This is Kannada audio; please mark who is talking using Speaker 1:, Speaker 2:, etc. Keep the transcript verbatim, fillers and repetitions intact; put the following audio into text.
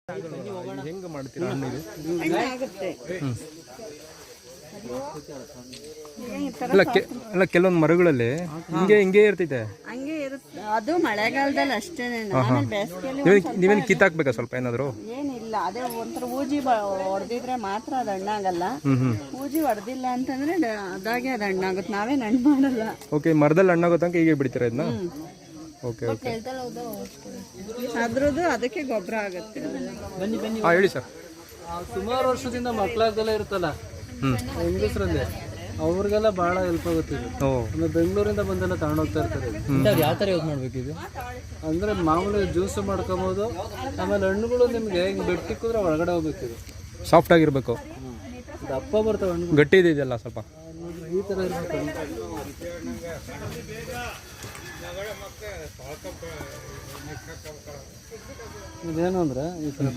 Speaker 1: ಹೆಂಗೆ ಮಾಡ್ತೀರಾ ಹಣ್ಣಿಗೆ?
Speaker 2: ಆಗುತ್ತೆ
Speaker 1: ಅಲ್ಲ ಕೆ ಅಲ್ಲ ಕೆಲವೊಂದು ಮರಗಳಲ್ಲಿ ಹಿಂಗೆ ಹಿಂಗೆ ಇರ್ತೈತೆ.
Speaker 2: ಹಂಗೆ ಇರುತ್ತೆ. ಅದು ಮಳೆಗಾಲದಲ್ಲಿ ಅಷ್ಟೇನೆ. ಆಮೇಲೆ ಬೇಸಿಗೆಯಲ್ಲಿ
Speaker 1: ನೀವೇನು ಕಿತ್ತಾಕ್ಬೇಕಾ ಸ್ವಲ್ಪ ಏನಾದ್ರು?
Speaker 2: ಏನಿಲ್ಲ, ಅದೇ ಒಂಥರ ಊಜಿ ಹೊಡೆದಿದ್ರೆ ಮಾತ್ರ ಅದು ಹಣ್ಣಾಗಲ್ಲ. ಊಜಿ ಹೊಡೆದಿಲ್ಲ ಅಂತಂದ್ರೆ ಅದಾಗೆ ಅದು ಹಣ್ಣಾಗುತ್ತೆ. ನಾವೇನು ಹಣ್ಣು ಮಾಡಲ್ಲ.
Speaker 1: ಓಕೆ, ಮರದಲ್ಲಿ ಹಣ್ಣಾಗೋ ತನಕ ಹೀಗೆ ಬಿಡ್ತೀರಾ ಇದನ್ನ? Okay okay.
Speaker 2: ಅದ್ರದ್ದು ಅದಕ್ಕೆ ಗೊಬ್ಬರ ಆಗುತ್ತೆ.
Speaker 3: ಬನ್ನಿ ಬನ್ನಿ.
Speaker 1: ಹಾಂ ಹೇಳಿ ಸರ್.
Speaker 3: ಸುಮಾರು ವರ್ಷದಿಂದ ಮಕ್ಕಳಾಗ್ದೆಲ್ಲ ಇರುತ್ತಲ್ಲ ಹೆಂಗಸ್ರಲ್ಲಿ, ಅವ್ರಿಗೆಲ್ಲ ಬಹಳ ಹೆಲ್ಪ್ ಆಗುತ್ತೆ ಇದು. ಆಮೇಲೆ ಬೆಂಗಳೂರಿಂದ ಬಂದೆಲ್ಲ ತಗೊಂಡೋಗ್ತಾ ಇರ್ತಾರೆ. ಯಾವ ಥರ ಯೂಸ್ ಮಾಡ್ಬೇಕು ಇದು ಅಂದರೆ ಮಾಮೂಲಿ ಜ್ಯೂಸು ಮಾಡ್ಕೊಬೋದು. ಆಮೇಲೆ ಹಣ್ಣುಗಳು ನಿಮಗೆ ಹಿಂಗೆ ಬೆಟ್ಟಿಕ್ಕಿದ್ರೆ ಒಳಗಡೆ ಹೋಗ್ಬೇಕು. ಇದು
Speaker 1: ಸಾಫ್ಟ್ ಆಗಿರ್ಬೇಕು,
Speaker 3: ದಪ್ಪ ಬರ್ತವೆ ಹಣ್ಣು,
Speaker 1: ಗಟ್ಟಿ ಇದೆಯಲ್ಲ ಸ್ವಲ್ಪ
Speaker 3: ಈ ಥರ ಇರ್ಬೇಕು. ಇದೇನು ಅಂದರೆ ಈ ಥರ